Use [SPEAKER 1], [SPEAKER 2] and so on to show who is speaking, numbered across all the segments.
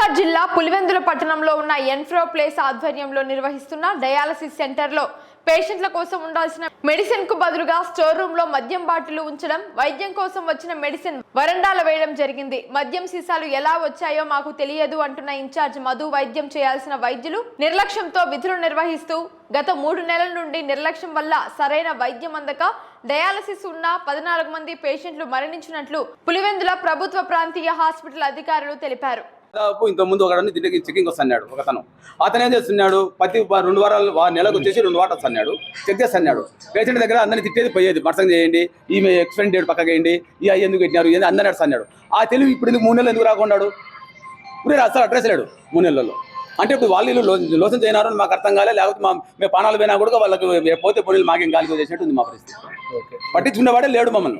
[SPEAKER 1] నిజామాబాద్ జిల్లా పులివెందుల పట్టణంలో ఉన్న ఎన్ఫ్రో ప్లేస్ ఆధ్వర్యంలో నిర్వహిస్తున్న డయాలసిస్ సెంటర్లో పేషెంట్ల కోసం ఉండాల్సిన మెడిసిన్ కు బదులుగా స్టోర్ రూమ్ లో మద్యం బాటిల్ ఉంచడం, వైద్యం కోసం వచ్చిన మెడిసిన్ వరండాలో వేయడం జరిగింది. మద్యం సీసాలు ఎలా వచ్చాయో మాకు తెలియదు అంటున్న ఇన్ఛార్జ్ మధు, వైద్యం చేయాల్సిన వైద్యులు నిర్లక్ష్యంతో విధులు నిర్వహిస్తూ గత 3 నెలల నుండి నిర్లక్ష్యం వల్ల సరైన వైద్యం అందక డయాలసిస్ ఉన్న 14 మంది పేషెంట్లు మరణించినట్లు పులివెందుల ప్రభుత్వ ప్రాంతీయ హాస్పిటల్ అధికారులు తెలిపారు.
[SPEAKER 2] దాదాపు ఇంత ముందు ఒకడని దీనికి చెకింగ్ వస్తున్నాడు ఒకతను. అతను ఏం చేస్తున్నాడు, ప్రతి 2 వారాలు నెలకు వచ్చేసి 2 వాటర్స్ అన్నాడు, చెక్ చేస్తున్నాడు. పేషెంట్ దగ్గర అందరినీ తిట్టేది పోయేది, మర్సం చేయండి, ఈమె ఎక్స్పెండ్ డేట్ పక్కకి వేయండి, ఈ అయ్యి ఎందుకు పెట్టినారు, ఏంది అందరూ అన్నాడు. ఆ తెలివి ఇప్పుడు ఎందుకు 3 నెలలు ఎందుకు రాకున్నాడు? ఇప్పుడు అసలు అడ్రస్ లేడు 3 నెలల్లో. అంటే ఇప్పుడు వాళ్ళు లోసం చేయనారు మాకు అర్థం కాలే, లేకపోతే మేము పానాలు పోయినా కూడా వాళ్ళకి పోతే పొడి మాకేం గాలి చేసినట్టు ఉంది మా పరిస్థితి. పట్టించుకునేవాడే లేడు మమ్మల్ని.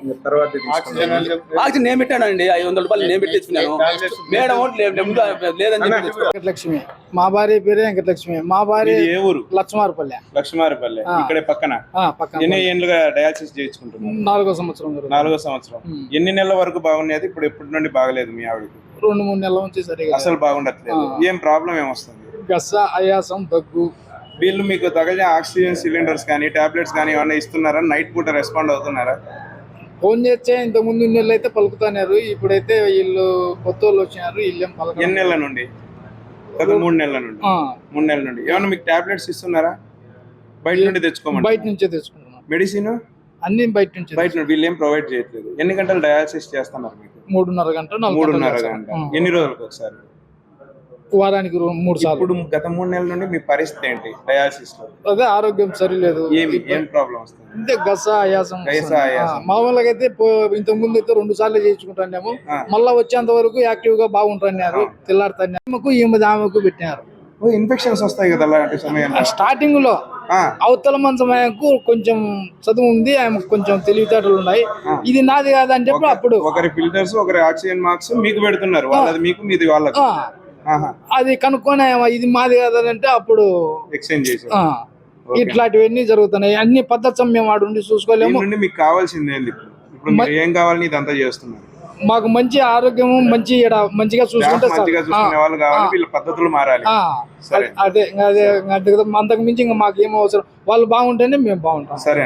[SPEAKER 2] ఆక్సిజన్ నేను పెట్టానండి, 500 రూపాయలు నేను పెట్టించుకున్నాను. మేడం లేదని
[SPEAKER 3] వెంకటలక్ష్మి, మా భార్య పేరే వెంకటలక్ష్మి. మా భార్య
[SPEAKER 4] ఏ ఊరు?
[SPEAKER 3] లక్ష్మారపల్లె.
[SPEAKER 4] లక్ష్మారపల్లె ఇక్కడే పక్కన. ఎన్ని ఏళ్ళుగా డయాలసిస్ చేయించుకుంటున్నారు?
[SPEAKER 3] 4వ సంవత్సరం.
[SPEAKER 4] 4వ సంవత్సరం. ఎన్ని నెలల వరకు బాగున్నది? ఇప్పుడు ఎప్పటి నుండి బాగలేదు మీ ఆవిడకి?
[SPEAKER 3] 2-3 నెలల నుంచి సరిగా
[SPEAKER 4] అసలు బాగుండట్లేదు. ఏం ప్రాబ్లం ఏమొస్తుంది?
[SPEAKER 3] గస, ఆయాసం, దగ్గు.
[SPEAKER 4] వీళ్ళు మీకు తగిన ఆక్సిజన్ సిలిండర్స్ కానీ టాబ్లెట్స్ కానీ ఏమన్నా ఇస్తున్నారా? నైట్ పూట రెస్పాండ్ అవుతున్నారా?
[SPEAKER 3] ఫోన్ చేస్తే ఇంత ముందు నెలలు అయితే పలుకుతున్నారు, ఇప్పుడైతే వీళ్ళు కొత్త వాళ్ళు వచ్చినారు, వీళ్ళేం పలక.
[SPEAKER 4] ఎన్ని నెలల నుండి? గత 3 నెలల నుండి. 3 నెలల నుండి ఏమన్నా మీకు టాబ్లెట్స్ ఇస్తున్నారా? బయట నుండి తెచ్చుకోమని?
[SPEAKER 3] బయట నుంచే తెచ్చుకుంటున్నాం.
[SPEAKER 4] మెడిసిన్
[SPEAKER 3] అన్ని బయట నుంచి.
[SPEAKER 4] వీళ్ళు ఏం ప్రొవైడ్ చేయట్లేదు. ఎన్ని గంటలు డయాలసిస్ చేస్తున్నారు మీకు?
[SPEAKER 3] 3.5 గంటలు,
[SPEAKER 4] 3.5 గంట. ఎన్ని రోజులకు ఒకసారి?
[SPEAKER 3] వారానికి 3 సార్లు.
[SPEAKER 4] ఇప్పుడు గత 3 నెలల నుండి మీ పరిస్థితి ఏంటి డయాలసిస్ లో?
[SPEAKER 3] అదే ఆరోగ్యం సరిలేదు.
[SPEAKER 4] ఏం ప్రాబ్లం వస్తుంది?
[SPEAKER 3] అంతే, గస, ఆయాసం. మామూలుగా అయితే ఇంత ముందు అయితే 2 సార్లు చేయించుకుంటాము. మళ్ళా వచ్చేంత వరకు యాక్టివ్ గా బాగుంటున్నారు, తెల్లాడుతారు. ఆమెకు పెట్టినారు.
[SPEAKER 4] ఇన్ఫెక్షన్స్ వస్తాయి కదా అలాంటి సమయంలో.
[SPEAKER 3] స్టార్టింగ్ లో అవతల మంచమకు కొంచెం చదువు ఉంది, ఆమె కొంచెం తెలివితేటలు ఉన్నాయి. ఇది నాది కాదని చెప్పి అప్పుడు
[SPEAKER 4] ఒకరి ఫిల్టర్స్, ఒకరి ఆక్సిజన్ మార్క్స్ మీకు పెడుతున్నారు, వాళ్ళది మీకు, మీది వాళ్ళకి.
[SPEAKER 3] అది కనుక్కొని ఇది మాది కాదంటే అప్పుడు
[SPEAKER 4] ఎక్స్చేంజ్ చేసి
[SPEAKER 3] ఇట్లాంటివన్నీ జరుగుతున్నాయి. అన్ని పద్ధతి మేము వాడు చూసుకోలేము.
[SPEAKER 4] మీకు కావాల్సింది ఏంది? ఇప్పుడు మీరు ఏం కావాలని ఇదంతా చేస్తున్నారు?
[SPEAKER 3] మాకు మంచి ఆరోగ్యం, మంచిగా చూసుకుంటే
[SPEAKER 4] వాళ్ళు కావాలి, వీళ్ళ పద్ధతులు మారాలి.
[SPEAKER 3] అదే అదే అంతకు మించి ఇంకా మాకు ఏం అవసరం, వాళ్ళు బాగుంటేనే మేము బాగుంటాం.
[SPEAKER 4] సరే.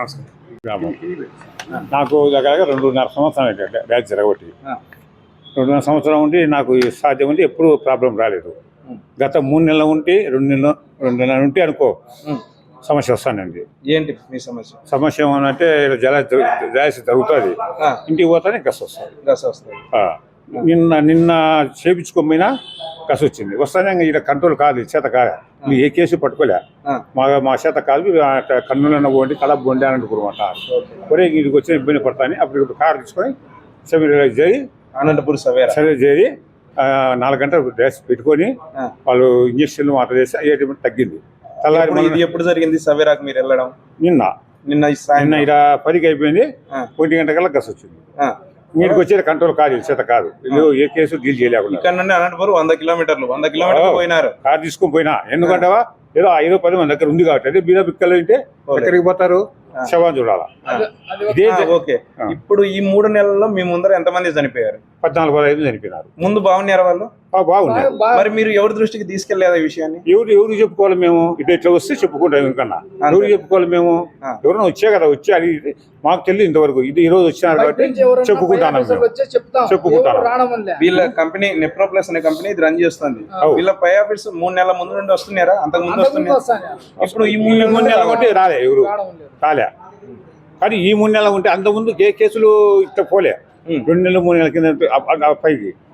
[SPEAKER 5] నాకు దగ్గర 2.5 సంవత్సరం బ్యాచ్ జరగబట్టి 2.5 సంవత్సరం ఉండి నాకు సాధ్యం ఉంటే ఎప్పుడు ప్రాబ్లం రాలేదు. గత 3 నెలలు ఉంటే 2 నెలలు ఉంటే అనుకో సమస్య వస్తానండి.
[SPEAKER 4] ఏంటి మీ సమస్య?
[SPEAKER 5] సమస్య ఏమనంటే డయాలసిస్ జరుగుతుంది, ఇంటికి పోతానే గస వస్తుంది. నిన్న చేపించుకోకపోయినా గస వచ్చింది, వస్తానే ఇక్కడ కంట్రోల్ కాదు, చేత కాదు. మీరు ఏ కేసు పట్టుకోలే, మా చేత కాదు, కన్నులన్న పోండి, కడప పోండి అని అనుకోమాట. ఒరే ఇంటికి వచ్చిన ఇబ్బంది పడతాను. అప్పుడు కారు తీసుకొని సెమిరైజ్ చేయి
[SPEAKER 4] అనంతపురం
[SPEAKER 5] సర్వే చేయి 4 గంటలు డ్రెస్ పెట్టుకొని వాళ్ళు ఇంజక్షన్లు మాత్రం చేసి అయ్యేటి తగ్గింది.
[SPEAKER 4] ఇది ఎప్పుడు జరిగింది సవేరాకు మీరు వెళ్ళడం?
[SPEAKER 5] నిన్న 10కి అయిపోయింది. 1 గంట కల్లా గస వచ్చింది. మీరికి వచ్చే కంట్రోల్ కాదు, చేత కాదు, ఏ కేసు డీల్ చేయలేకుండా.
[SPEAKER 4] ఇక్కడ నుండి అనంతపురం 100 కిలోమీటర్లు పోయినారు.
[SPEAKER 5] కారు తీసుకొని పోయినా, ఎందుకంటే ఏదో 5-10 మంది దగ్గర ఉంది కాబట్టి. అదే బీద బిక్కలు ఉంటే ఎక్కడికి పోతారు, శవాన్ని చూడాలా.
[SPEAKER 4] ఓకే, ఇప్పుడు ఈ 3 నెలల్లో మీ ముందర ఎంతమంది చనిపోయారు?
[SPEAKER 5] 14-15 చనిపోయినారు.
[SPEAKER 4] ముందు బాగున్నారు వాళ్ళు?
[SPEAKER 5] బాగున్నారు.
[SPEAKER 4] మరి మీరు ఎవరి దృష్టికి తీసుకెళ్లేదా ఈ విషయాన్ని?
[SPEAKER 5] ఎవరు చెప్పుకోవాలి? మేము ఇట్లా వస్తే చెప్పుకుంటాం. ఎందుకన్నా ఎవరు చెప్పుకోవాలి? మేము ఎవరైనా వచ్చే కదా, వచ్చి అది మాకు తెలియదు ఇంతవరకు. ఇది ఈ రోజు వచ్చినారు కాబట్టి చెప్పుకుంటాను.
[SPEAKER 4] వీళ్ళ కంపెనీ నెప్రోప్లస్ అనే కంపెనీ ఇది రన్ చేస్తుంది. వీళ్ళ పై ఆఫీస్ 3 నెలల ముందు నుండి వస్తున్నారా? అంతకు ముందు వస్తున్నారా? ఇప్పుడు ఈ 3 నెలలు
[SPEAKER 5] ఉంటే రాలే, ఎవరు రాలే. కానీ ఈ 3 నెలలు ఉంటే అంతకుముందు ఏ కేసులు ఇట్లా పోలే. 2 నెలలు 3 నెలల కింద పైకి